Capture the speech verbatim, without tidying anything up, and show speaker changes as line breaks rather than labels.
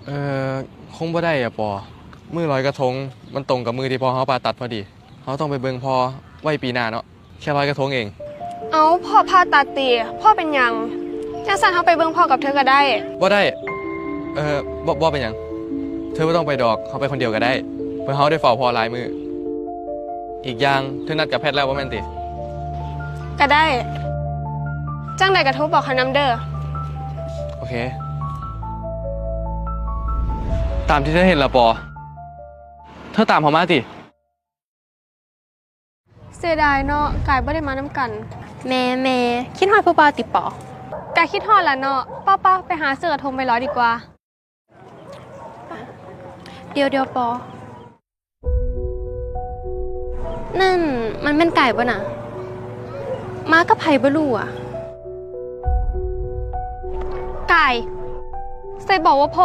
เออคงบ่ได้อะปอมือลอยกระทงมันตรงกับมือที่พ่อเขาผ่าตัดพอดีเขาต้องไปเบิ่งพ่อไว้ปีหน้าเนาะแค่ลอยกระทงเอง
เอาพ่อพาตัดตีพ่อเป็นหยังจังสันเขาไปเบิ่งพ่อกับเธอก็ได้
บ่ได้เออบ่บ่เป็นหยังเธอไม่ต้องไปดอกเขาไปคนเดียวก็ได้เพื่อเขาได้เฝ้าพ่อหลายมืออีกอย่างเธอนัดกับแพทย์แล้วว่าแม่นติ
ก็ได้จังใดกระทบบอกเขานำเด้อ
โอเคตามที่เธอเห็นละปอเธอตามเขามาติ
เสียดายเนาะกายบ่ได้มานำกัน
แม่แม่คิดฮอดผู้บ่าวติปอก
ายคิดฮอดละเนาะป้าป้าไปหาเสื้อกระทงไปร้อยดีกว่า
เดียวเดียวปอ นั่นมันเป็นไก่ป่ะน่ะมากับไผ่บ่รู้อ่ะ
กายใส่บอกว่าพ่อ